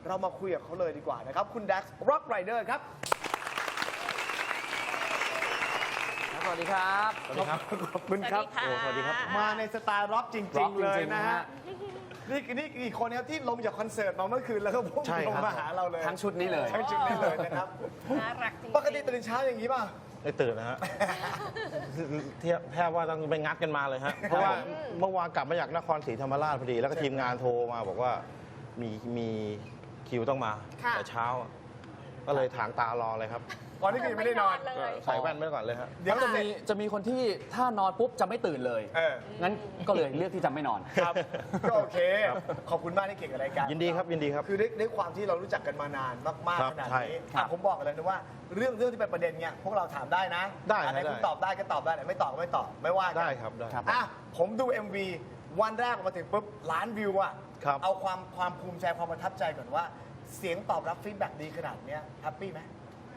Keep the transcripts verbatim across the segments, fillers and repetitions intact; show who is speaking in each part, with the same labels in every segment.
Speaker 1: เรามาคุยกับเขาเลยดีกว่านะครับคุณแด็กซ์ร็อกไรเดอร์ครับ
Speaker 2: สวัสดีครับ
Speaker 3: สวัสดีครับ
Speaker 1: ขอบคุณครับ
Speaker 3: โอ้สวัสดีครับ
Speaker 1: มาในสไตล์ร็อกจ
Speaker 2: ร็
Speaker 1: ริ
Speaker 2: อง ก
Speaker 1: ๆ เลย
Speaker 2: จริงๆ
Speaker 1: นะ
Speaker 2: นะ
Speaker 1: ฮะ
Speaker 2: ฮะ
Speaker 1: นี่นี่อีกคนครับที่ลงจากคอนเสิร์ตมาเมื่อคืนแล้วก็พุ่ง
Speaker 3: ใช่
Speaker 1: ลง
Speaker 3: ครับ
Speaker 1: มาหาเราเลย
Speaker 2: ทั้งชุดนี้เลย
Speaker 1: ทั้งชุดนี้เลยนะครับ
Speaker 4: น่ารักจริง
Speaker 1: ปกติตื่นเช้าอย่างนี้ป่ะ
Speaker 3: ไม่ตื่นนะฮะ เทียบแทบว่าต้องไปงัดกันมาเลยฮะ เพราะว่าเมื่อวานกลับมาจากนครศรีธรรมราชพอดี แล้วก็ทีมงานโทรมาบอกว่ามีมีคิวต้องมา
Speaker 4: ค่ะ
Speaker 3: แต่เช้า ก็เลยถางตารอเลยครับ
Speaker 1: ก่อนที่คืนไม่ได้นอน
Speaker 4: เล
Speaker 3: ก็
Speaker 4: ย
Speaker 3: ใส่แว่นไว้ก่อนเลยฮะ
Speaker 1: เดี๋ยว
Speaker 2: จะมีจะมีคนที่ถ้านอนปุ๊บจะไม่ตื่นเลย
Speaker 1: เออ
Speaker 2: งั้นก็เลยเลือกที่จะไม่นอน
Speaker 1: ครับก็โอเค ขอบคุณมากที่เก่งกับรายการ
Speaker 3: ยินดีครับยินดีครับ
Speaker 1: คือด้วยด้วยความที่เรารู้จักกันมานานมาก
Speaker 3: ครั
Speaker 1: ๆ
Speaker 3: บ
Speaker 1: ขนาด
Speaker 3: ใช่
Speaker 1: นี้
Speaker 2: ครับ
Speaker 1: อ่ะผมบอกกันเลยนะว่าเรื่องเรื่องที่เป็นประเด็นเนี่ยพวกเราถามได้นะ
Speaker 3: ได้
Speaker 1: อันไหน
Speaker 3: ได้
Speaker 1: คุณตอบได้ก็ตอบได้ไหนไม่ตอบก็ไม่ตอบไม่ว่ากัน
Speaker 3: ได้ครับได้
Speaker 2: ครับ
Speaker 1: อ่ะผมดู เอ็ม วี วันแรกออกมาถึงปุ๊บล้านวิวอ่ะ
Speaker 3: ครับ
Speaker 1: เอาความความภูมิใจความประทับใจก่อนว่า เสียงตอบรับฟีดแบ็กดีขนาดเนี้ยแฮปปี้ไหม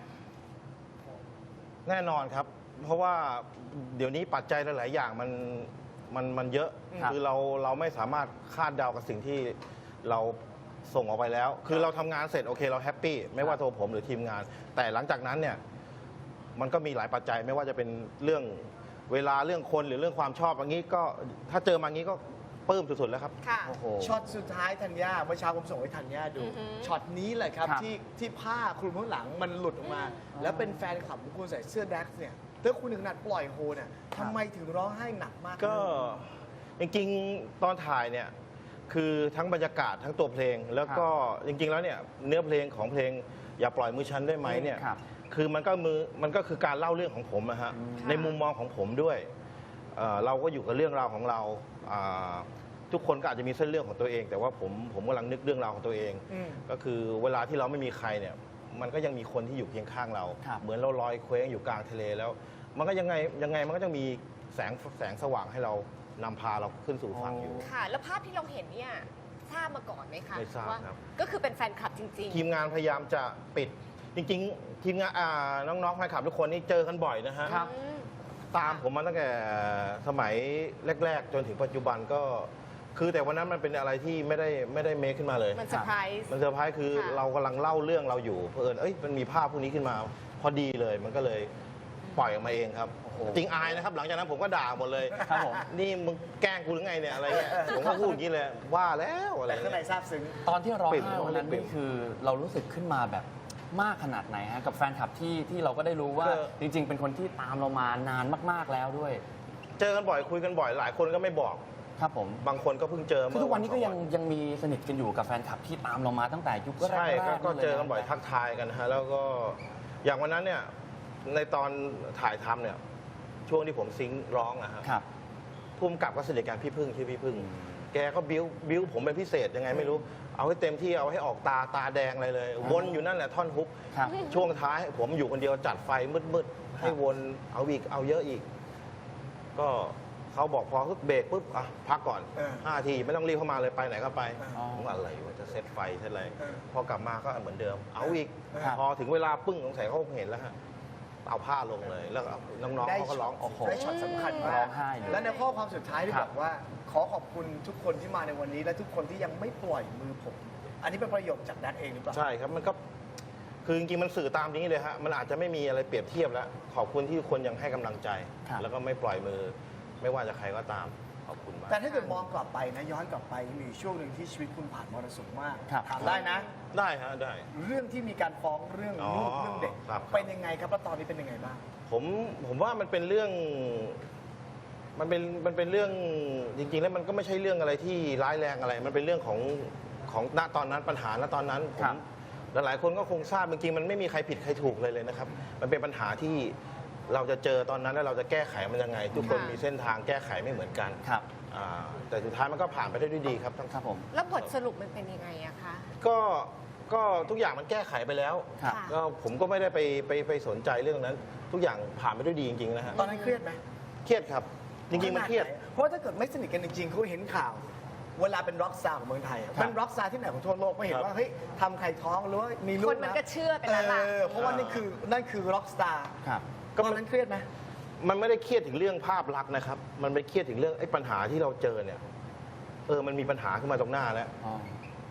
Speaker 3: แน่นอนครับ เพราะว่าเดี๋ยวนี้ปัจจัยหลาย ๆ อย่างมันมันมันเยอะ
Speaker 2: ครับ
Speaker 3: คือเราเราไม่สามารถคาดเดากับสิ่งที่เราส่งออกไปแล้ว คือเราทำงานเสร็จโอเคเราแฮปปี้ไม่ว่าตัวผมหรือทีมงาน แต่หลังจากนั้นเนี่ยมันก็มีหลายปัจจัยไม่ว่าจะเป็นเรื่องเวลาเรื่องคนหรือเรื่องความชอบอย่างนี้ก็ถ้าเจอมางี้ก็ปลื้มสุด ๆ แล้วครับ
Speaker 4: ค่ะ
Speaker 2: โอ้โห
Speaker 1: ช็อตสุดท้ายธัญญาเมื่อเช้าผมส่งให้ธัญญาดู
Speaker 4: อือหือ
Speaker 1: ช็อตนี้เลยครับ
Speaker 2: ครับ
Speaker 1: ที่ที่ผ้าคลุมข้างหลังมันหลุดออกมา แล้วเป็นแฟนคลับของคุณใส่เสื้อแด็กซ์เนี่ยถ้าคุณถึงขนาดปล่อยโฮเนี่ยทำไมถึงร้องไห้หนักมาก
Speaker 3: ก็จริงๆตอนถ่ายเนี่ยคือทั้งบรรยากาศทั้งตัวเพลง แล้วก็จริง ๆ แล้วเนี่ยเนื้อเพลงของเพลงอย่าปล่อยมือฉันได้ไหมเนี่ย
Speaker 2: ครับ
Speaker 3: คือมันก็มือมันก็คือการเล่าเรื่องของผมนะฮะ
Speaker 2: อืม
Speaker 3: ในมุมมองของผมด้วยเอ่อเราก็อยู่กับเรื่องราวของเราอ่าทุกคนก็อาจจะมีเส้นเรื่องของตัวเอง แต่ว่าผมผมกำลังนึกเรื่องราวของตัวเอง
Speaker 1: อืม
Speaker 3: ก็คือเวลาที่เราไม่มีใครเนี่ยมันก็ยังมีคนที่อยู่เคียงข้างเรา
Speaker 2: ครับ
Speaker 3: เหมือนเราลอยเคว้งอยู่กลางทะเลแล้ว มันก็ยังไงยังไงมันก็จะมีแสงแสงสว่างให้เรานำพาเราขึ้นสู่ฝั่งอยู่
Speaker 4: ค่ะ แล้วภาพที่เราเห็นเนี่ยทราบมาก่อนไหมคะ
Speaker 3: ไม่ทราบ
Speaker 4: ว่า
Speaker 3: ครับ
Speaker 4: ก็คือเป็นแฟนคลับจริง
Speaker 3: ทีมงานพยายามจะปิด จริง ๆ ทีมงานอ่าน้องๆแฟนคลับทุกคนนี่เจอกันบ่อยนะฮะ
Speaker 2: ครับ
Speaker 4: อืม
Speaker 3: ตามผมมาตั้งแต่สมัยแรก ๆ จนถึงปัจจุบันก็ คือแต่วันนั้นมันเป็นอะไรที่ไม่ได้ไม่ได้เมคขึ้นมาเลย
Speaker 4: มันเซอร์ไพรส์
Speaker 3: มันเซอร์ไพรส์คือ
Speaker 4: ค่ะ
Speaker 3: เรากำลังเล่าเรื่องเราอยู่เพื่อนเอ้ยมันมีภาพพวกนี้ขึ้นมา พอดีเลยมันก็เลยปล่อยออกมาเองครับ
Speaker 2: โอ้โห
Speaker 3: จริงอายนะครับ หลังจากนั้นผมก็ด่าหมดเลย
Speaker 2: ครับผม
Speaker 3: นี่มึงแกล้งกูหรือไงเนี่ยอะไรเงี้ยผมก็พูดอย่างนี้เลยว่าแล้วอะไร
Speaker 1: แต่ข้างใน
Speaker 3: เงี้ย
Speaker 1: ซาบซึ้ง
Speaker 2: ตอนที่ร้อง
Speaker 3: ปิ่ม
Speaker 2: ไห้วันนั้น
Speaker 3: ปิ่
Speaker 2: นี่
Speaker 3: ม
Speaker 2: คือเรารู้สึกขึ้นมาแบบมากขนาดไหนฮะกับแฟนคลับที่ที่เราก็ได้รู้ว่า
Speaker 3: ก็
Speaker 2: จริง ๆ เป็นคนที่ตามเรามานานมากๆแล้วด้วย
Speaker 3: เจอกันบ่อยคุยกันบ่อยหลายคนก็ไม่บอก
Speaker 2: ครับผม
Speaker 3: บางคนก็เพิ่งเจอ
Speaker 2: คือทุกวันนี้ก็ยัง
Speaker 3: เมื่อ
Speaker 2: ยังมีสนิทกันอยู่กับแฟนคลับที่ตามเรามาตั้งแต่ยุคแรกๆ
Speaker 3: ใช่ก็ก็
Speaker 2: ลยะ
Speaker 3: เจอกันบ่อยทักทายกันนะฮะแล้วก็อย่างวันนั้นเนี่ยในตอนถ่ายทำเนี่ยช่วงที่ผมซิงค์ร้องนะฮะ
Speaker 2: ครับ
Speaker 3: ภูมิกับก็สนิทกันพี่พึ่งชื่อพี่พึ่ง แกก็บิ้วบิ้วผมเป็นพิเศษยังไงไม่รู้ เอาให้เต็มที่เอาให้ออกตาตาแดงอะไรเลย วนอยู่นั่นแหละท่อนฮุก
Speaker 2: ครับ
Speaker 3: ช่วงท้ายผมอยู่คนเดียวจัดไฟมืดๆ ให้วนเอาอีกเอาเยอะอีก ก็เขาบอกพอปุ๊บเบรกปุ๊บอ่ะพักก่อน
Speaker 1: เออ
Speaker 3: ห้าทีไม่ต้องรีบเข้ามาเลยไปไหนก็ไป
Speaker 2: อ๋อ
Speaker 3: ผมว่าอะไรวะจะเซตไฟเซตอะไร
Speaker 1: เออ
Speaker 3: พอกลับมาก็เหมือนเดิม เอาอีก
Speaker 2: ครับ
Speaker 3: พอถึงเวลาปึ้งสงสัยเขาคงเห็นแล้วฮะเอาผ้าลงเลยแล้วก็น้องๆเขาก็ร้อง
Speaker 1: โอ้
Speaker 3: โอ้
Speaker 1: โห
Speaker 3: โห
Speaker 1: ได้ช็อตสำคัญ
Speaker 2: ร้
Speaker 1: มา
Speaker 2: อก งไห้เลย
Speaker 1: และในข้อความสุดท้ายที่
Speaker 2: ครับ
Speaker 1: บอกว่า ขอขอบคุณทุกคนที่มาในวันนี้ และทุกคนที่ยังไม่ปล่อยมือผม อันนี้เป็นประโยคจากแดกเองหรือเปล่า
Speaker 3: ใช่ครับมันก็คือจริงๆมันสื่อตามนี้เลยฮะมันอาจจะไม่มีอะไรเปรียบเทียบแล้ว ขอบคุณที่ทุกคนยังให้กำลังใจ
Speaker 2: ครับ
Speaker 3: แล้วก็ไม่ปล่อยมือ ไม่ว่าจะใครก็ตามขอบคุณมาก
Speaker 1: แต่ถ้าเกิดมองกลับไปนะย้อนกลับไปมีช่วงหนึ่งที่ชีวิตคุณผ่านมรสุมมาก
Speaker 2: ครับ
Speaker 1: ถามได้นะ
Speaker 3: ได้ฮะได้
Speaker 1: เรื่องที่มีการฟ้องเรื่อง
Speaker 3: อ๋อ
Speaker 1: ลูกเรื่องเด็ก
Speaker 3: ครับ
Speaker 1: เป็นยังไงครับแล้วตอนนี้เป็นยังไงบ้าง
Speaker 3: ผมผมว่ามันเป็นเรื่อง มันเป็นมันเป็นเรื่องจริงๆ แล้วมันก็ไม่ใช่เรื่องอะไรที่ร้ายแรงอะไร มันเป็นเรื่องของของณตอนนั้นปัญหาณตอนนั้นผ
Speaker 2: ครั
Speaker 3: ม
Speaker 2: บ
Speaker 3: หลายๆคนก็คงทราบจริงๆมันไม่มีใครผิดใครถูกเลยเลยนะครับ มันเป็นปัญหาที่เราจะเจอตอนนั้นแล้วเราจะแก้ไขมันยังไง ทุกคน
Speaker 4: ค่ะ
Speaker 3: มีเส้นทางแก้ไขไม่เหมือนกัน
Speaker 2: ครับ
Speaker 3: อ่าแต่สุดท้ายมันก็ผ่านไปได้ด้วยดีครับทั้ง
Speaker 2: ครับผม
Speaker 4: แล้วบทสรุปมันเป็นยังไงอะคะ
Speaker 3: ก็ก็ทุกอย่างมันแก้ไขไปแล้ว
Speaker 2: ครับ
Speaker 4: ค่ะ
Speaker 3: ก็ผมก็ไม่ได้ไปไปไปสนใจเรื่องนั้น ทุกอย่างผ่านไปด้วยดีจริงๆนะฮะ
Speaker 1: ตอนนั้นเครียดไหม
Speaker 3: เครียดครับ จริงๆมันเครียด
Speaker 1: ขนาไหเพราะว่าถ้าเกิดไม่สนิทกันจริงๆเขาเห็นข่าว เวลาเป็นร็อกสตาร์ของเมืองไทยอะ
Speaker 2: ครับ
Speaker 1: เป็นร็อกสตาร์ที่ไหนของทั่วโลกไม่เห็น
Speaker 3: ครับ
Speaker 1: ว่าเฮ้ยทำใครท้องหรือว่ามีลูก
Speaker 4: คนมันก็เชื่อไปแล้วล่ะ
Speaker 1: เออเพราะว่านี่คือนั่นคือร็อกสตาร์
Speaker 2: ครับ
Speaker 1: ตอนนั้นเครียดไหม
Speaker 3: มันไม่ได้เครียดถึงเรื่องภาพลักษณ์นะครับ มันไปเครียดถึงเรื่องไอ้ปัญหาที่เราเจอเนี่ย เออ มันมีปัญหาขึ้นมาตรงหน้าแล้ว
Speaker 2: อ๋อ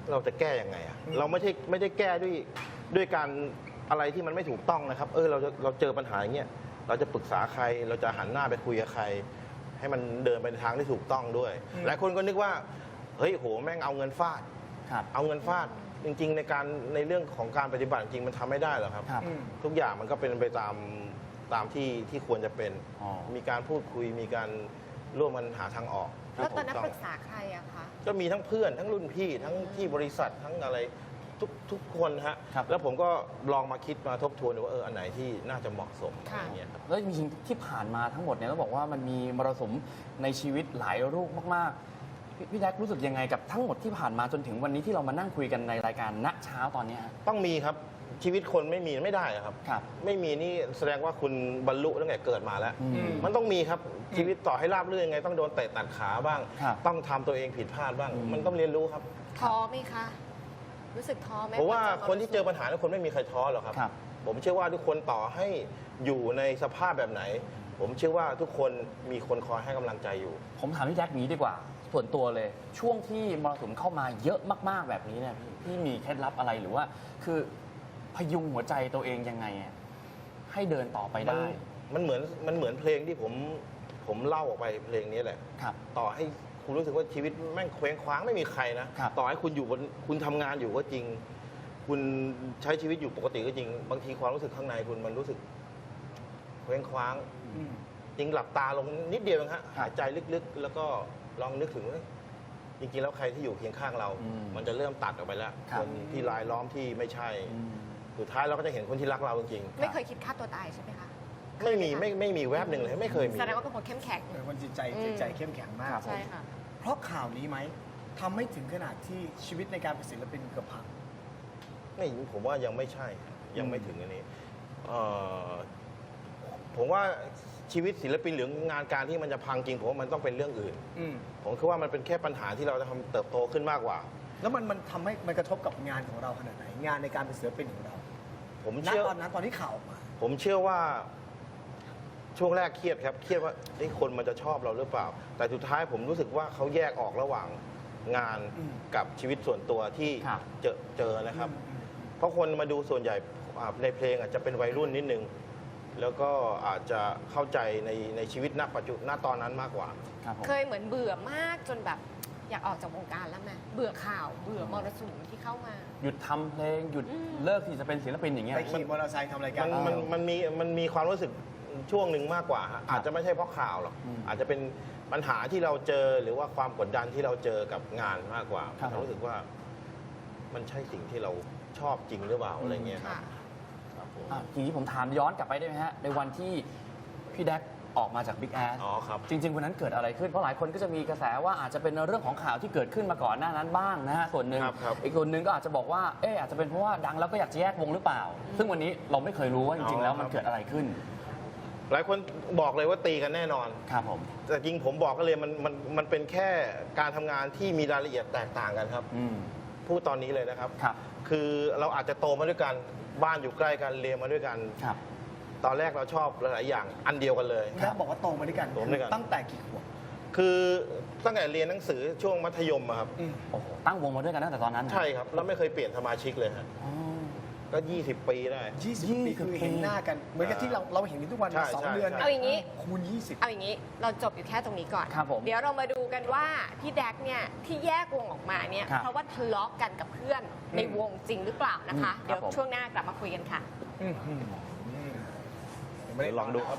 Speaker 3: เราจะแก้ยังไงอะ
Speaker 1: อืม
Speaker 3: เราไม่ใช่ไม่ได้แก้ด้วยด้วยการอะไรที่มันไม่ถูกต้องนะครับ เออเราจะเราเจอปัญหาอย่างเงี้ยเราจะปรึกษาใคร เราจะหันหน้าไปคุยกับใคร ให้มันเดินไปในทางที่ถูกต้องด้วย หลายคนก็นึกว่าเฮ้ยโหแม่งเอาเงินฟาด
Speaker 2: ครับ
Speaker 3: เอาเงินฟาดจริง ๆ ในการในเรื่องของการปฏิบัติจริงมันทำไม่ได้หรอกครับ
Speaker 2: ครับ
Speaker 1: อืม
Speaker 3: ทุกอย่างมันก็เป็นไปตามตามที่ที่ควรจะเป็น
Speaker 2: อ๋อ
Speaker 3: มีการพูดคุยมีการร่วมกันหาทางออก
Speaker 4: แล้วตอนนั้น
Speaker 3: ที่
Speaker 4: ป
Speaker 3: ถู
Speaker 4: รึกษาใครอะคะ
Speaker 3: ก็มีทั้งเพื่อนทั้งรุ่นพี่ทั้งที่บริษัททั้งอะไรทุกทุกคนฮะ
Speaker 2: ครับ
Speaker 3: แล้วผมก็ลองมาคิดมาทบทวนดูว่าเอออันไหนที่น่าจะเหมาะสมอะ
Speaker 4: ค่ะ
Speaker 3: ไรเงี้ยครับ
Speaker 2: แล้วจริงๆที่ผ่านมาทั้งหมดเนี่ยต้องบอกว่ามันมีมรสุมในชีวิตหลายรูปมากๆ พี่พี่แดกรู้สึกยังไงกับทั้งหมดที่ผ่านมาจนถึงวันนี้ที่เรามานั่งคุยกันในรายการณเช้าตอนเนี้ยฮะ
Speaker 3: ต้องมีครับชีวิตคนไม่มีไม่ได้อะครับ
Speaker 2: ครับ
Speaker 3: ไม่มีนี่แสดงว่าคุณบรรลุตั้งแต่เกิดมาแล้ว
Speaker 2: อืม
Speaker 3: มันต้องมีครับชีวิตต่อให้ราบรื่นยังไงต้องโดนเตะตัดขาบ้าง
Speaker 2: ครับ
Speaker 3: ต้องทำตัวเองผิดพลาดบ้าง
Speaker 2: อืม
Speaker 3: มันต้องเรียนรู้ครับ
Speaker 4: ท้อไหมคะ รู้สึกท้อไหม
Speaker 3: เพราะว่า
Speaker 4: พอ
Speaker 3: คนที่เจอปัญหาทุกคนไม่มีใครท้อหรอกครับ
Speaker 2: ครับ
Speaker 3: ผมเชื่อว่าทุกคนต่อให้อยู่ในสภาพแบบไหน ผมเชื่อว่าทุกคนมีคนคอยให้กำลังใจอยู่
Speaker 2: ผมถามพี่แดกอย่างนี้ดีกว่า ส่วนตัวเลย ช่วงที่มรสุมเข้ามาเยอะมากๆแบบนี้เนี่ยพี่พี่มีเคล็ดลับอะไรหรือว่า คือพยุงหัวใจตัวเองยังไงอะให้เดินต่อไป
Speaker 3: มัน
Speaker 2: ได้
Speaker 3: มันเหมือนมันเหมือนเพลงที่ผมผมเล่าออกไปเพลงนี้แหละ
Speaker 2: ครับ
Speaker 3: ต่อให้คุณรู้สึกว่าชีวิตแม่งเคว้งคว้างไม่มีใครนะ
Speaker 2: ครับ
Speaker 3: ต่อให้คุณอยู่บนคุณทำงานอยู่ก็จริง คุณใช้ชีวิตอยู่ปกติก็จริง บางทีความรู้สึกข้างในคุณมันรู้สึกเคว้งคว้าง
Speaker 1: อืม
Speaker 3: จริงหลับตาลงนิดเดียวเองฮะ
Speaker 2: ครับ
Speaker 3: หายใจลึกๆ แล้วก็ลองนึกถึงว่าจริงๆแล้วใครที่อยู่เคียงข้างเรา
Speaker 2: อืม
Speaker 3: มันจะเริ่มตัดออกไปแล้ว
Speaker 2: ครับ
Speaker 3: คนที่รายล้อมที่ไม่ใช่
Speaker 2: อืม
Speaker 3: สุดท้ายเราก็จะเห็นคนที่รักเราจริง
Speaker 4: ไม่เคยคิดฆ่าตัวตายใช่ไหมคะ
Speaker 3: ๆไม่มีไม่ไม่มีแวบหนึ่งเลยไม่เคยมี
Speaker 4: แสดงว่าเป็นคนเข้มแข็ง
Speaker 1: เป็นคนจิตใจ
Speaker 4: อืม
Speaker 1: จิตใจเข้มแข็งมาก
Speaker 2: ครับ
Speaker 4: ใช่ค่ะ
Speaker 1: เพราะข่าวนี้ไหมทำให้ถึงขนาดที่ชีวิตในการเป็นศิลปินเกือบพัง
Speaker 3: ไม่ผมว่ายังไม่ใช่ยังไม่ถึงอันนี้เอ่อผมว่าชีวิตศิลปินหรืองานการที่มันจะพังจริงผมว่ามันต้องเป็นเรื่องอื่น
Speaker 1: อืม
Speaker 3: ผมคิดว่ามันเป็นแค่ปัญหาที่เราจะทำเติบโตขึ้นมากกว่า
Speaker 1: แล้วมันมันทำให้มันกระทบกับงานของเราขนาดไหน งานในการเป็นศิลปินของเรา
Speaker 3: ผม
Speaker 1: ณ
Speaker 3: เชื่อ
Speaker 1: ตอนนั้นตอนที่ข่าวออกมา
Speaker 3: ผมเชื่อว่าช่วงแรกเครียดครับ เครียดว่าเอ้ยคนมันจะชอบเราหรือเปล่า แต่สุดท้ายผมรู้สึกว่าเขาแยกออกระหว่างงาน
Speaker 1: อืม
Speaker 3: กับชีวิตส่วนตัวที่
Speaker 2: ครับ
Speaker 3: เจอเจอนะครับ
Speaker 1: อืม
Speaker 3: เพราะคนมาดูส่วนใหญ่อ่าในเพลงอาจจะเป็นวัยรุ่นนิดนึง แล้วก็อาจจะเข้าใจในในชีวิตณปัจจุณตอนนั้นมากกว่า
Speaker 2: ครับผม
Speaker 4: เคยเหมือนเบื่อมากจนแบบอยากออกจากวงการแล้วไหมเบื่อข่าว เบื่อมรสุมที่เข้ามา
Speaker 2: หยุดทำเพลงหยุด
Speaker 4: อืม
Speaker 2: เลิกที่จะเป็นศิลปินอย่างเงี้ย
Speaker 1: ไปขี่มอเตอร์ไซค์ทำรายกา
Speaker 3: มั
Speaker 1: ร
Speaker 3: นมันมันมีมันมีความรู้สึกช่วงหนึ่งมากกว่าฮะอาจจะไม่ใช่เพราะข่าวหรอก
Speaker 2: อืม
Speaker 3: อาจจะเป็นปัญหาที่เราเจอหรือว่าความกดดันที่เราเจอกับงานมากกว่า
Speaker 2: ครับ
Speaker 3: เรารู้สึกว่ามันใช่สิ่งที่เราชอบจริงหรือเปล่าอะไรเงี้ยครับ
Speaker 4: ค่ะ
Speaker 3: ครับผม
Speaker 2: อ่ะทีนี้ผมถามย้อนกลับไปได้ไหมฮะ ในวันที่พี่แดกออกมาจาก Big Ass
Speaker 3: อ๋อครับ
Speaker 2: จริง ๆ วันนั้นเกิดอะไรขึ้น เพราะหลายคนก็จะมีกระแสว่าอาจจะเป็นเรื่องของข่าวที่เกิดขึ้นมาก่อนหน้านั้นบ้างนะฮะ ส่วนหนึ่ง
Speaker 3: ครับครับ
Speaker 2: อีกส่วนหนึ่งก็อาจจะบอกว่า เอออาจจะเป็นเพราะว่าดังแล้วก็อยากจะแยกวงหรือเปล่า ซึ่งวันนี้เราไม่เคยรู้ว่าจริง ๆ แล้วมันเกิดอะไรขึ้น
Speaker 3: หลายคนบอกเลยว่าตีกันแน่นอน
Speaker 2: ครับผม
Speaker 3: แต่จริงผมบอกก็เลยมันมันมันเป็นแค่การทำงานที่มีรายละเอียดแตกต่างกันครับ
Speaker 2: อืม
Speaker 3: พูดตอนนี้เลยนะครับ
Speaker 2: ครับ
Speaker 3: คือเราอาจจะโตมาด้วยกันบ้านอยู่ใกล้กันเรียนมาด้วยกัน
Speaker 2: ครับ
Speaker 3: ตอนแรกเราชอบหลายๆอย่างอันเดียวกันเลย
Speaker 1: แม่บอกว่าโตมาด้วยกัน
Speaker 3: โตมาด้วยกัน
Speaker 1: ตั้งแต่กี่ขวบ
Speaker 3: คือตั้งแต่เรียนหนังสือช่วงมัธยมอะครับ
Speaker 1: อืม
Speaker 2: โอ้โห ตั้งวงมาด้วยกันตั้งแต่ตอนนั้นนะ
Speaker 3: ใช่ครับแล้วไม่เคยเปลี่ยนสมาชิกเลยฮะ
Speaker 2: อ๋อ
Speaker 3: ก็ ยี่สิบ ปีได้
Speaker 1: ยี่สิบ
Speaker 2: ยี่
Speaker 1: ปี
Speaker 2: สิบ
Speaker 1: คือเห็น
Speaker 2: ปี
Speaker 1: หน้ากัน เหมือนกับที่เราเราเห็นกันทุกวัน
Speaker 3: ใช่
Speaker 1: มาสอง
Speaker 3: ใช่
Speaker 1: เดือน
Speaker 3: ใช่
Speaker 4: เอาอย่างนี้
Speaker 1: คูณยี่สิบ
Speaker 4: เอาอย่างนี้เราจบอยู่แค่ตรงนี้ก่อน
Speaker 2: ครับผม
Speaker 4: เดี๋ยวเรามาดูกันว่าพี่แดกเนี่ยที่แยกวงออกมาเนี่ย
Speaker 2: ครับ
Speaker 4: เพราะว่าทะเลาะกันกับเพื่อนในวงจริงหรือเปล่านะคะ
Speaker 2: อืมครับ
Speaker 4: เดี๋ยว
Speaker 2: ผม
Speaker 4: ช่วงหน้ากลับมาคุยกันค่ะ
Speaker 1: อืมอืมอืม
Speaker 3: เดี๋ยวลองดูครับ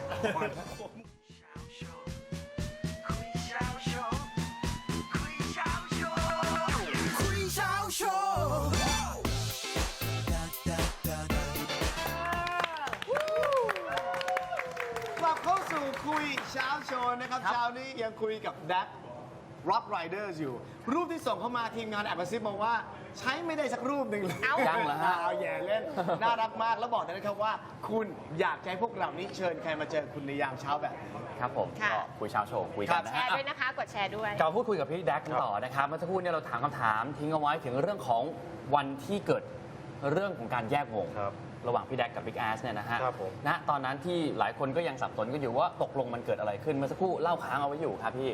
Speaker 1: กลับเข้าสู่คุยเช้าโชว์นะครับ
Speaker 2: ครับ
Speaker 1: เช้านี้ยังคุยกับแดกร็อกไรเดอร์อยู่ รูปที่ส่งเข้ามาทีมงานแอบกระซิบมาว่า ใช้ไม่ได้สักรูปหนึ่งเลย
Speaker 4: เอ้า
Speaker 2: ยังเหรอฮะ
Speaker 1: เอาแย่เล่น น่ารักมากแล้วบอกเลยนะครับว่า คุณอยากให้พวกเรานี้เชิญใครมาเจอคุณในยามเช้าแบบนี้
Speaker 2: ครับผม
Speaker 4: ค่ะ
Speaker 2: ก็คุยเช้าโชว์คุย
Speaker 1: ครั
Speaker 2: กัน
Speaker 1: บ
Speaker 2: นะ
Speaker 4: แช
Speaker 2: ฮะ
Speaker 4: ร์ด้วยนะคะ กดแชร์ด้วย
Speaker 2: กลับมาพูดคุยกับพี่แดกกันต่อนะครับเมื่อสักครู่เนี่ยเราถามคำถามทิ้งเอาไว้ถึงเรื่องของวันที่เกิดเรื่องของการแยกวง
Speaker 3: ครับ
Speaker 2: ระหว่างพี่แดกกับบิ๊กแอสเนี่ยนะฮะ
Speaker 3: ครับผม
Speaker 2: ณตอนนั้นที่หลายคนก็ยังสับสนกันอยู่ว่าตกลงมันเกิดอะไรขึ้นเมื่อสักครู่เล่าค้างเอาไว้อยู่ครับพี่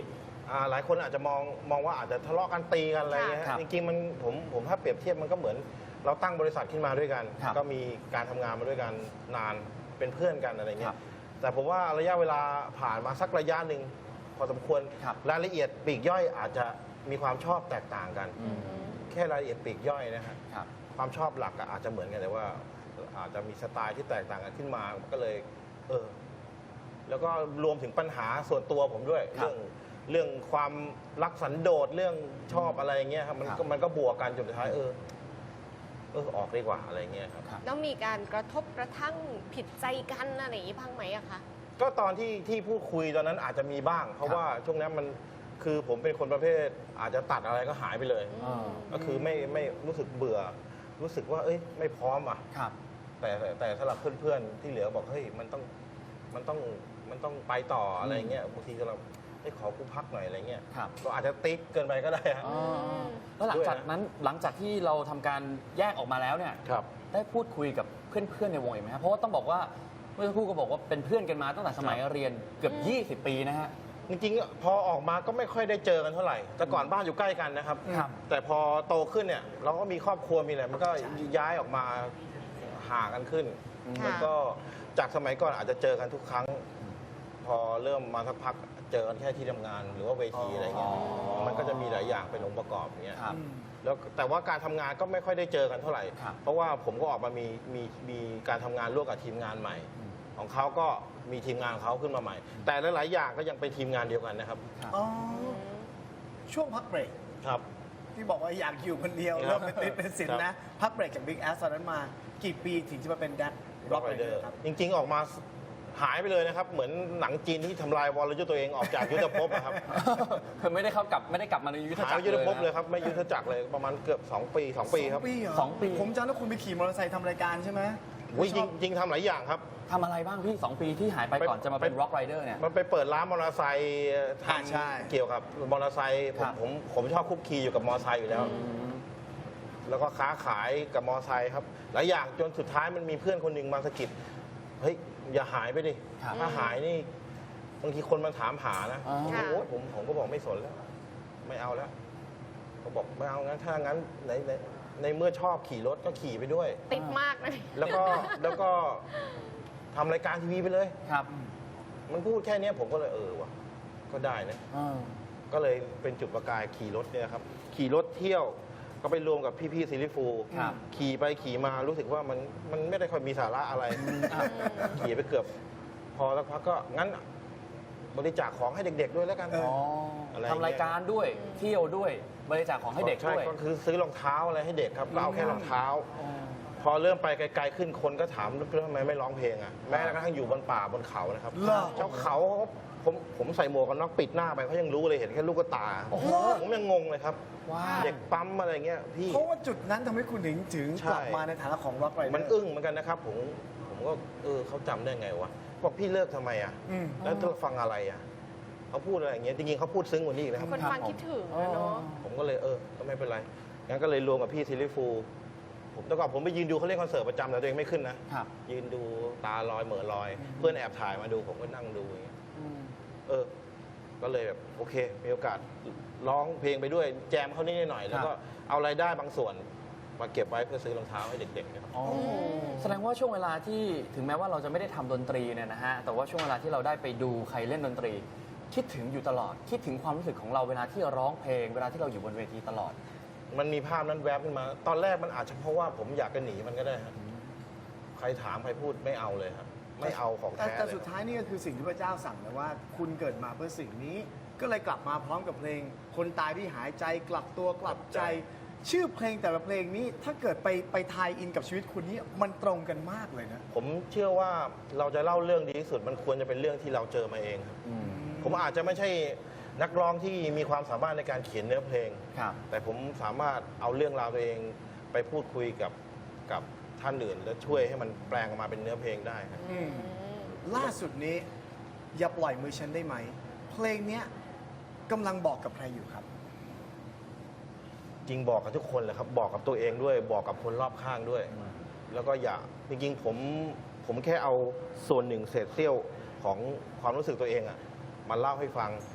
Speaker 3: อ่าหลายคนอาจจะมองมองว่าอาจจะทะเลาะกันตีกันอะไรเงี้ย
Speaker 2: ครั
Speaker 3: ฮะ
Speaker 2: บ
Speaker 3: จริงๆมันผมผมถ้าเปรียบเทียบมันก็เหมือนเราตั้งบริษัทขึ้นมาด้วยกัน
Speaker 2: ครับ
Speaker 3: ก็มีการทำงานมาด้วยกันนานเป็นเพื่อนกันอะไร
Speaker 2: ค
Speaker 3: เงี้
Speaker 2: รั
Speaker 3: ย
Speaker 2: บ
Speaker 3: แต่ผมว่าระยะเวลาผ่านมาสักระยะหนึ่งพอสมควร
Speaker 2: ครับ
Speaker 3: รายละเอียดปลีกย่อยอาจจะมีความชอบแตกต่างกัน
Speaker 2: อืม
Speaker 3: แค่รายละเอียดปลีกย่อยนะฮะ
Speaker 2: ครับ
Speaker 3: ความชอบหลักอะอาจจะเหมือนกันแต่ว่า อาจจะมีสไตล์ที่แตกต่างกันขึ้นมาก็เลย เออ แล้วก็รวมถึงปัญหาส่วนตัวผมด้วย
Speaker 2: ครับ
Speaker 3: เรื่องเรื่องความรักสันโดษเรื่องชอบอะไรเงี้ยครับมัน
Speaker 2: ครับ
Speaker 3: ก็มันก็บวกกันจนสุดท้ายเออ เออออกดีกว่าอะไรเงี้ยครับ
Speaker 2: ครับ
Speaker 4: แล้วมีการกระทบกระทั่งผิดใจกันอะไรอย่างนี้บ้างไหมอะคะ
Speaker 3: ก็ตอนที่ที่พูดคุยตอนนั้นอาจจะมีบ้าง เพราะ
Speaker 2: ครับ
Speaker 3: ว่าช่วงนั้นมันคือผมเป็นคนประเภท อาจจะตัดอะไรก็หายไปเลย
Speaker 2: อ่า
Speaker 3: ก็คือไม่ไม่รู้สึกเบื่อ รู้สึกว่า เอ้ย ไม่พร้อมอ่ะ
Speaker 2: ครับ
Speaker 3: แต่แต่แต่สำหรับเพื่อนๆที่เหลือบอกเฮ้ยมันต้องมันต้องมันต้องไปต่ออะไรเงี้ยบางทีเราไอ้ยขอกูพักหน่อยอะไรเงี้ย
Speaker 2: ครับ
Speaker 3: ก็อาจจะติ๊กเกินไปก็ได้ฮะ
Speaker 2: อ๋อแล้วหลังจากนั้นหลังจากที่เราทำการแยกออกมาแล้วเนี่ย
Speaker 3: ครับ
Speaker 2: ได้พูดคุยกับเพื่อนๆในวงอีกไหมครับเพราะว่าต้องบอกว่าเมื่อสักครู่ก็บอกว่าเป็นเพื่อนกันมาตั้งแต่สมัยเรียนเกือบ ยี่สิบ ปีนะฮะ
Speaker 3: จริงๆพอออกมาก็ไม่ค่อยได้เจอกันเท่าไหร่ แต่ก่อนบ้านอยู่ใกล้กันนะครับ
Speaker 2: ครับ
Speaker 3: แต่พอโตขึ้นเนี่ย เราก็มีครอบครัวมีอะไรมันก็ย้ายออกมาห่างกันขึ้น
Speaker 4: ค่ะ
Speaker 3: แล้วก็จากสมัยก่อนอาจจะเจอกันทุกครั้ง พอเริ่มมาสักพักเจอกันแค่ที่ทำงาน หรือว่าเวทีอะไรเงี้ย
Speaker 2: อ๋อ
Speaker 3: มันก็จะมีหลายอย่างเป็นองค์ประกอบอย่างเงี้ย
Speaker 2: ครับ
Speaker 3: แล้วแต่ว่าการทำงานก็ไม่ค่อยได้เจอกันเท่าไหร่
Speaker 2: ครับ
Speaker 3: เพราะว่าผมก็ออกมามีมีมีการทำงานร่วมกับทีมงานใหม่
Speaker 2: อืม
Speaker 3: ของเขาก็มีทีมงานของเขาขึ้นมาใหม่ แต่หลายๆอย่างก็ยังเป็นทีมงานเดียวกันนะครับ
Speaker 2: ครับ
Speaker 1: อ๋อ ช่วงพักเบรก
Speaker 3: ครับ
Speaker 1: ที่บอกว่าอยากอยู่คนเดียว
Speaker 3: ครับ
Speaker 1: เริ่มเป็นติดเป็นสิน
Speaker 3: ครับ
Speaker 1: นะ พักเบรกจาก Big Ass ตอนนั้นมากี่ปีถึงจะมาเป็นแดนร็อกไรเดอร์ครับ
Speaker 3: จริง ๆ ออกมาหายไปเลยนะครับ เหมือนหนังจีนที่ทำลายวรยุทธ์ตัวเองออกจากยุทธภพนะครับ
Speaker 2: คือไม่ได้เข้ากลับไม่ได้กลับมาในยุทธ
Speaker 3: หาย
Speaker 2: จัก
Speaker 3: ไป
Speaker 2: ร
Speaker 3: ยุทธภพ
Speaker 2: นะ
Speaker 3: เลยครับไม่ยุทธจักรเลยประมาณเกือบสองปีสองปีครับ
Speaker 1: สองปีเหรอ
Speaker 2: สองปี
Speaker 1: ผมจำได้คุณไปขี่มอเตอร์ไซค์ทำรายการใช่ไหม
Speaker 3: อุ๊ยจริง
Speaker 1: ชอบ
Speaker 3: จริงทำหลายอย่างครับ
Speaker 2: ทำอะไรบ้างพี่สองปีที่หายไปก่อนจะมาเป็น
Speaker 3: ไป
Speaker 2: ร็อกไรเดอร์เนี่ย
Speaker 3: มันไปเปิดร้านมอเตอร์ไซค์ท
Speaker 1: อ่าใช่
Speaker 3: ำเกี่ยวกับมอเตอร์ไซค์ผ
Speaker 2: ครั
Speaker 3: ม
Speaker 2: บ
Speaker 3: ผมผมชอบคุกคีอยู่กับมอเตอร์ไซค์อยู่แล้ว
Speaker 2: อืม
Speaker 3: แล้วก็ค้าขายกับมอเตอร์ไซค์ครับหลายอย่างจนสุดท้ายมันมีเพื่อนคนหนึ่งมาสะกิดเฮ้ยอย่าหายไปดิ
Speaker 2: ครับ
Speaker 3: ถ้าหายนี่บางทีคนมันถามหานะ
Speaker 2: อ๋อ
Speaker 3: ผมก็โอ๊ยผมผมก็บอกไม่สนแล้ว ไม่เอาแล้วเขาบอกไม่เอางั้นถ้างั้นในในในเมื่อชอบขี่รถก็ขี่ไปด้วย
Speaker 4: ติดมากนะ
Speaker 3: แล้วก็แล้วก็ทำรายการทีวีไปเลย
Speaker 2: ครับ
Speaker 3: มันพูดแค่เนี้ยผมก็เลยเออว่ะก็ได้นะ
Speaker 2: อ่า
Speaker 3: ก็เลยเป็นจุดประกายขี่รถเนี่ยครับ ขี่รถเที่ยวก็ไปรวมกับพี่ๆซิลิฟูล
Speaker 2: ครับ
Speaker 3: ขี่ไปขี่มารู้สึกว่ามันมันไม่ได้ค่อยมีสาระอะไร
Speaker 2: อ่า
Speaker 3: ขี่ไปเกือบ พอแล้วพักก็งั้นบริจาคของให้เด็ก ๆ ด้วยแล้วกัน
Speaker 1: เอ
Speaker 2: อ๋อ
Speaker 3: อะไรอย่างเงี้ย
Speaker 2: ทำรายการด้วยเที่ยวด้วยบริจาคของให้เด็ก
Speaker 3: ใช่
Speaker 2: ด้วย
Speaker 3: ก็คือซื้อรองเท้าอะไรให้เด็กครับก็เอาแค่รองเท้า
Speaker 2: อ๋อ
Speaker 3: พอเริ่มไปไกลๆขึ้นคนก็ถามแล้วทำไมไม่ร้องเพลงอ่ะแม้กระทั่งอยู่บนป่าบนเขานะครับ
Speaker 1: เหรอ
Speaker 3: เจ้าเขาผมผมใส่หมวกกันน็อกปิดหน้าไปเขายังรู้เลยเห็นแค่ลูกตา
Speaker 2: โอ้โห
Speaker 3: ผมยังงงเลยครับ
Speaker 2: ว้าว
Speaker 3: เด็กปั๊มอะไรเงี้ยพี่
Speaker 1: เพราะว่าจุดนั้นทำให้คุณถึงถึง
Speaker 3: ใช่
Speaker 1: กลับมาในฐานะของร็อกไรเดอร์
Speaker 3: มันอึ้งเหมือนกันนะครับ ผมผมก็เออเขาจำได้ไงวะบอกพี่เลิกทำไมอ่ะ
Speaker 1: อืม
Speaker 3: แล้วจะฟังอะไรอ่ะเขาพูดอะไรอย่างเงี้ยจริงๆเขาพูดซึ้งกว่านี้อีกนะครับ
Speaker 4: คนฟังคิดถึง
Speaker 2: อ๋อ
Speaker 4: นะเนาะ
Speaker 3: ผมก็เลยเออก็ไม่เป็นไรงั้นก็เลยรวมกับพี่ซิลิฟูลผมแต่ก่อนผมไปยืนดูเขาเล่นคอนเสิร์ตประจำแต่ตัวเองไม่ขึ้นนะครับ ยืนดูตาลอยเหม่อลอย เพื่อนแอบถ่ายมาดูผมก็นั่งดูอย่างเงี้ย
Speaker 2: อืม
Speaker 3: เออ ก็เลยแบบโอเค มีโอกาสร้องเพลงไปด้วยแจมเขานิดหน่อยแล้วก็เอารายได้บางส่วน มาเก็บไว้เพื่อซื้อรองเท้าให้เด็กๆนะครับ
Speaker 2: อ๋อแสดงว่าช่วงเวลาที่ถึงแม้ว่าเราจะไม่ได้ทำดนตรีเนี่ยนะฮะแต่ว่าช่วงเวลาที่เราได้ไปดูใครเล่นดนตรี คิดถึงอยู่ตลอด คิดถึงความรู้สึกของเราเวลาที่เราร้องเพลง เวลาที่เราอยู่บนเวทีตลอด
Speaker 3: มันมีภาพนั้นแวบขึ้นมา ตอนแรกมันอาจจะเพราะว่าผมอยากจะหนีมันก็ได้ครับใครถามใครพูดไม่เอาเลยครับ ไม่เอาของ
Speaker 1: แต่
Speaker 3: แท้
Speaker 1: แต่
Speaker 3: เลย
Speaker 1: สุดท้ายนี่ก็คือสิ่งที่พระเจ้าสั่งนะว่า คุณเกิดมาเพื่อสิ่งนี้ ก็เลยกลับมาพร้อมกับเพลง คนตายที่หายใจกลับตัวกลับใจ ชื่อเพลงแต่ละเพลงนี้ถ้าเกิดไปไปทายอินกับชีวิตคุณนี่มันตรงกันมากเลยนะ
Speaker 3: ผมเชื่อว่าเราจะเล่าเรื่องดีที่สุด มันควรจะเป็นเรื่องที่เราเจอมาเองครับ
Speaker 2: อืม
Speaker 3: ผมอาจจะไม่ใช่นักร้องที่มีความสามารถในการเขียนเนื้อเพลง
Speaker 2: ครับ
Speaker 3: แต่ผมสามารถเอาเรื่องราวตัวเองไปพูดคุยกับกับท่านอื่น และช่วยให้มันแปลงออกมาเป็นเนื้อเพลงได้ครับ
Speaker 1: อืม ล่าสุดนี้ อย่าปล่อยมือฉันได้ไหม เพลงเนี้ยกำลังบอกกับใครอยู่ครับ
Speaker 3: จริงบอกกับทุกคนเลยครับ บอกกับตัวเองด้วย บอกกับคนรอบข้างด้วย แล้วก็อย่าจริงๆผมผมแค่เอาส่วนหนึ่งเศษเสี้ยวของความรู้สึกตัวเองอะมาเล่าให้ฟัง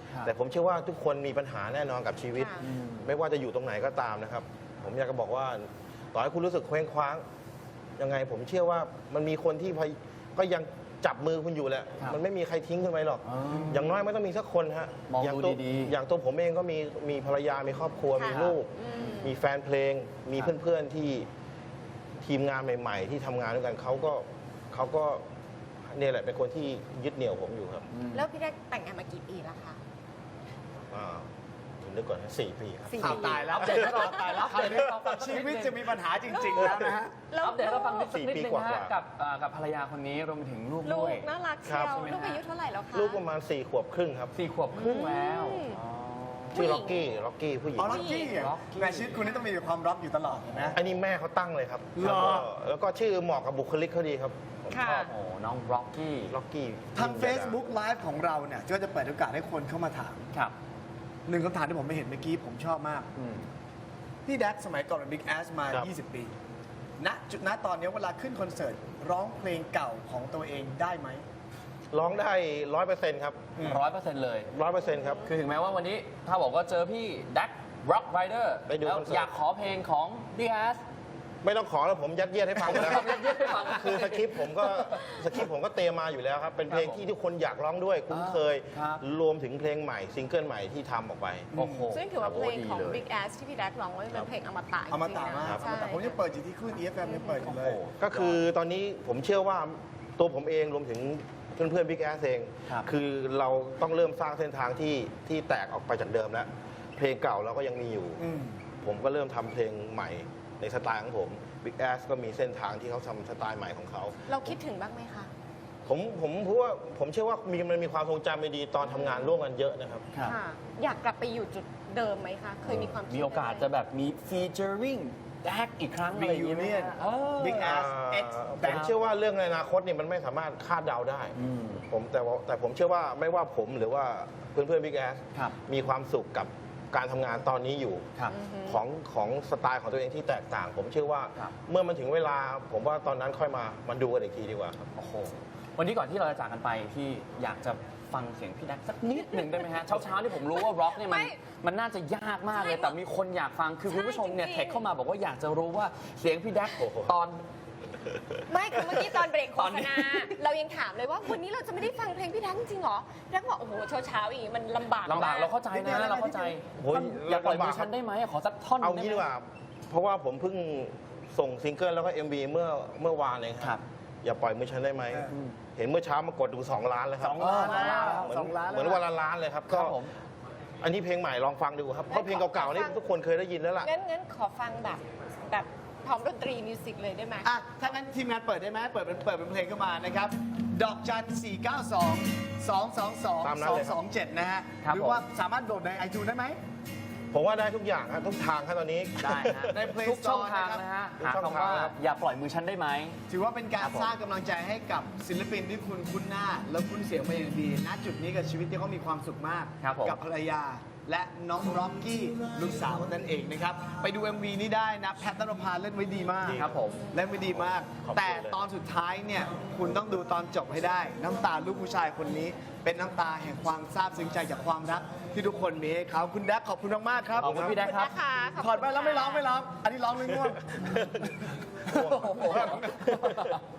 Speaker 2: ครับ
Speaker 3: แต่ผมเชื่อว่าทุกคนมีปัญหาแน่นอนกับชีวิต
Speaker 4: ค่ะ
Speaker 2: อืม
Speaker 3: ไม่ว่าจะอยู่ตรงไหนก็ตามนะครับ ผมอยากจะบอกว่าต่อให้คุณรู้สึกเคว้งคว้างยังไงผมเชื่อว่ามันมีคนที่พยก็ยังจับมือคุณอยู่แหละ
Speaker 2: ครับ
Speaker 3: มันไม่มีใครทิ้งคุณไปหรอก
Speaker 2: อ๋อ
Speaker 3: อ
Speaker 2: อย่าง
Speaker 3: น้อยไม่ต้องมีสักคนฮะ
Speaker 2: มอง
Speaker 3: อย่าง
Speaker 2: ดู
Speaker 3: ตัว
Speaker 2: ดีๆ
Speaker 3: อย่างตัวผมเองก็มีมีภรรยา มีครอบครัว
Speaker 4: ค่ะ
Speaker 3: มีลูก
Speaker 4: อืม
Speaker 3: มีแฟนเพลง มี
Speaker 2: ครับ
Speaker 3: เพื่อนๆที่ทีมงานใหม่ ๆ ที่ทำงานด้วยกันเขาก็เขาก็เนี่ยแหละเป็นคนที่ยึดเหนี่ยวผมอยู่ครับ
Speaker 2: อืม
Speaker 4: แล้วพี่แดกแต่งงานมากี่ปีแล้วคะ
Speaker 3: อ่าผมนึกก่อนนะสี่ปีครับ
Speaker 4: สี่
Speaker 1: ข่าว
Speaker 4: ปี
Speaker 1: ตายแล้ว
Speaker 2: อัปเดตให้เราตายแล้วอัปเดตให้เราฟังสัก
Speaker 1: ชี
Speaker 2: นิด
Speaker 1: วิต
Speaker 2: นึง
Speaker 1: จะมีปัญหาจริง ๆ แล้วนะฮะ
Speaker 4: แล้ว
Speaker 2: อัปเดตให้เราฟังนิดสักนิด
Speaker 3: สี่ปี
Speaker 2: นึง
Speaker 3: กว่า
Speaker 2: นะฮะ
Speaker 3: ๆ
Speaker 2: กับอ่ากับภรรยาคนนี้รวมไปถึงลูก
Speaker 4: ลู
Speaker 2: ด้
Speaker 4: ก
Speaker 2: วย
Speaker 4: น่ารัก
Speaker 3: ครั
Speaker 4: เชี
Speaker 3: บ
Speaker 4: ยวลูกอายุเท่าไหร่แล้วคะ
Speaker 3: ลูกประมาณสี่ขวบครึ่งครับ
Speaker 2: สี่ขวบครึ่งแล้ว
Speaker 4: อืม
Speaker 2: อ๋อ
Speaker 3: ชื่อล็อกกี้ล็อกกี้ผู้หญิง
Speaker 1: อ๋อล็อกกี้อ่ะ
Speaker 2: Rocky
Speaker 1: แต่ชีวิตคุณนี่ต้องมีความร็อกอยู่ตลอดนะ
Speaker 3: อันนี้แม่เขาตั้งเลยครับ
Speaker 1: เหรอ
Speaker 3: แล้วก็แล้วก็ชื่อเหมาะกับบุคลิกเขาดีครับผม
Speaker 4: ค่ะ
Speaker 3: ชอบ
Speaker 2: โอ้น้องร็อกกี้
Speaker 3: ล็อกกี้
Speaker 1: ทาง Facebook Live ของเราเนี่ยก็จะเปิดโอกาสให้คนเข้ามาถาม
Speaker 2: ครับ
Speaker 1: หนึ่งคำถามที่ผมไม่เห็นเมื่อกี้ผมชอบมาก
Speaker 2: อืม
Speaker 1: พี่แดกสมัยก่อนเป็น Big Ass มา
Speaker 3: ครับ
Speaker 1: ยี่สิบ ปี ณ จุดณตอนนี้เวลาขึ้นคอนเสิร์ต ร้องเพลงเก่าของตัวเองได้ไหม
Speaker 3: ร้องได้ร้อยเปอร์เซ็นต์ครับ
Speaker 1: อืม
Speaker 2: ร้อยเปอร์เซ็นต์เลย
Speaker 3: ร้อยเปอร์เซ็นต์ครับ
Speaker 2: คือถึงแม้ว่าวันนี้ถ้าบอกว่าเจอพี่ดักร็อกไรเดอร์
Speaker 3: ไปดู
Speaker 2: แล้ว
Speaker 3: คอนเสิร์ต
Speaker 2: อยากขอเพลงของพี่แอส
Speaker 3: ไม่ต้องขอแล้วผมยัดเยียดให้ฟังหมดแล้วครับ
Speaker 2: ยัดเยียดให้ฟัง
Speaker 3: คือสคริปต์ผมก็สคริปต์ผมก็เตรียมมาอยู่แล้วครับ เป็นเพลง
Speaker 2: ครับผม
Speaker 3: ที่ทุกคนอยากร้องด้วยคุ้นเคย
Speaker 2: ครับ
Speaker 3: รวมถึงเพลงใหม่ซิงเกิลใหม่ที่ทำออกไป
Speaker 2: โอ้โห
Speaker 4: ซึ่งถือว่าเพลงของ
Speaker 2: โโหดี
Speaker 4: Big Ass ที่พี่แดกร้องไว้เป็นเพลงอมตะจริงๆ
Speaker 1: อมตะมาก
Speaker 3: ครับ
Speaker 1: อมตะผมยังเปิดอยู่ที่คลื่น อี เอฟ เอ็ม ยังเปิดอยู่เลย
Speaker 2: โอ้โห
Speaker 3: ก็คือตอนนี้ผมเชื่อว่าตัวผมเองรวมถึงเพื่อนๆบิ๊กแอสเอง
Speaker 2: ครับ
Speaker 3: คือเราต้องเริ่มสร้างเส้นทางที่ที่แตกออกไปจากเดิมแล้ว เพลงเก่าเราก็ยังมีอยู่
Speaker 1: อืม
Speaker 3: ผมก็เริ่มทำเพลงใหม่ในสไตล์ของผมบิ๊กแอสก็มีเส้นทางที่เขาทำสไตล์ใหม่ของเขา
Speaker 4: เราคิดถึงบ้างไหมคะ
Speaker 3: ผมผมพูดว่าผมเชื่อว่ามีมันมีความทรงจำดีๆตอนทำงานร่วมกันเยอะนะครับ
Speaker 2: ครับ
Speaker 4: ค่ะ อยากกลับไปอยู่จุดเดิมไหมคะ เคยมีความคิด
Speaker 2: มีโอกาสจะแบบมีฟีเจอริงแดกอีกครั้งอะไรอย่างเงี้ยไหม
Speaker 1: Reunion
Speaker 2: เออ
Speaker 1: Big Ass
Speaker 3: อ่า
Speaker 1: X
Speaker 3: ผมเชื่อว่าเรื่องในอนาคตเนี่ยมันไม่สามารถคาดเดาได้
Speaker 2: อืม
Speaker 3: ผมแต่ว่าแต่ผมเชื่อว่าไม่ว่าผมหรือว่าเพื่อนๆบิ๊กแอส
Speaker 2: ครับ
Speaker 3: มีความสุขกับการทำงานตอนนี้อยู่
Speaker 2: ครับ
Speaker 4: อือฮึ
Speaker 3: ของของสไตล์ของตัวเองที่แตกต่าง ผมเชื่อว่า
Speaker 2: ครับ
Speaker 3: เมื่อมันถึงเวลา ผมว่าตอนนั้นค่อยมามันดูกันอีกทีดีกว่าครับ
Speaker 2: โอ้โห วันนี้ก่อนที่เราจะจากกันไปที่อยากจะฟังเสียงพี่แดกสักนิดหนึ่งได้ไหมฮะ เช้าๆที่ผมรู้ว่าร็อกเนี่ยมัน
Speaker 4: ไม่
Speaker 2: มันน่าจะยากมากเลย
Speaker 4: ใช่
Speaker 2: แต่มีคนอยากฟัง คือคุณผู้ชมเนี่ย
Speaker 4: ใช่จริงๆ
Speaker 2: เทคเข้ามาบอกว่าอยากจะรู้ว่าเสียงพี่แดก
Speaker 3: โอ้โห
Speaker 2: ตอน
Speaker 4: ไม่คือเมื่อกี้ตอนเบรกโฆ
Speaker 2: ตอน
Speaker 4: ษ
Speaker 2: นี้
Speaker 4: ณา เรายังถามเลยว่าวันนี้เราจะไม่ได้ฟังเพลงพี่แดกจริงๆเหรอพี่แดกบอกโอ้โหเช้าๆอย่างงี้มันลำบาก
Speaker 2: ลำบาก
Speaker 4: ม
Speaker 2: เราเข้าใจนะเราเข้าใจ
Speaker 3: โอ้ย
Speaker 2: อยากปล่อย
Speaker 3: ลำบาก
Speaker 2: มือฉันได้ไหมขอสักท่อนห
Speaker 3: เอา
Speaker 2: นึ่ง
Speaker 3: งี้
Speaker 2: ได้
Speaker 3: ดี
Speaker 2: ไห
Speaker 3: ก
Speaker 2: ม
Speaker 3: ว่า เพราะว่าผมเพิ่งส่งซิงเกิลแล้วก็ เอ็ม วี เมื่อเมื่อวานเอง
Speaker 2: ค
Speaker 3: ค
Speaker 2: รั
Speaker 3: รับ บ อย่าปล่อยมือฉันได้ไหม
Speaker 1: เออ
Speaker 3: เห็นเมื่อเช้ามากดดูสองล้านแล้วครั
Speaker 1: ส
Speaker 3: บ
Speaker 1: องล้าน
Speaker 2: อ๋อ
Speaker 1: แล้ว
Speaker 3: เหมือน
Speaker 1: สองล้าน
Speaker 3: เหมือนวันละล้านเลยครับ
Speaker 2: ครั
Speaker 3: ก็
Speaker 2: บผม
Speaker 3: อันนี้เพลงใหม่ลองฟังดูครับ เพราะเพลงเก่าๆนี่ทุกคนเคยได้ยินแล้วล่ะ
Speaker 4: งั้นงั้นขอฟังแบบแบบพร้อมดนตรีมิวสิกเลยได้ไหม
Speaker 1: อ่ะ ถ้างั้นทีมงานเปิดได้ไหมเปิดเป็นเปิดเป็นเพลงเข้ามานะครับ ดอกจัน สี่ เก้า สอง สอง สอง สอง
Speaker 3: ตามนั้น
Speaker 1: สอง
Speaker 3: เลยครับ
Speaker 1: สอง เจ็ด นะฮะ
Speaker 2: ครับ
Speaker 1: หรือว่าสามารถโหลดในไอจูนได้ไหม
Speaker 3: ผมว่าได้ทุกอย่างครับทุกทางครับตอนนี้
Speaker 2: ได้ฮะ
Speaker 1: ใน Play
Speaker 2: ทุกช่อง
Speaker 1: Store
Speaker 2: ทาง
Speaker 1: นะครับ
Speaker 2: นะฮะ
Speaker 3: ทุก
Speaker 2: หา
Speaker 3: ช่อง
Speaker 2: คำว่า
Speaker 3: ทางครับ
Speaker 2: อย่าปล่อยมือฉันได้ไหม
Speaker 1: ถือว่าเป็นการ
Speaker 2: ครับผม
Speaker 1: สร้างกำลังใจให้กับศิลปินที่คุณคุ้นหน้า แล้วคุ้นเสียงมาอย่างดี ณ จุดนี้กับชีวิตที่เขามีความสุขมาก
Speaker 2: ครับผม
Speaker 1: กับภรรยา และน้องร็อกกี้ลูกสาวนั่นเองนะครับ ไปดู เอ็ม วี นี้ได้นะ แพทย์นรพาเล่นไว้ดีมาก
Speaker 2: ครับผม
Speaker 1: เล่นไว้ดีมาก
Speaker 3: ขอบคุณ
Speaker 1: แต่
Speaker 3: เลย
Speaker 1: ตอนสุดท้ายเนี่ยคุณต้องดูตอนจบให้ได้ น้ำตาลูกผู้ชายคนนี้ เป็นน้ำตาแห่งความซาบซึ้งใจจากความรัก ที่ทุกคนมีให้เขาคุณแดกขอบคุณมากๆครับ
Speaker 2: ขอบคุณพี่แดกครับ
Speaker 4: นะคะขบคุณ
Speaker 1: ถอดไปแล้วไม่ร้องไม่ร้อง อันนี้ร้องเลยง่วง
Speaker 2: โอ้โห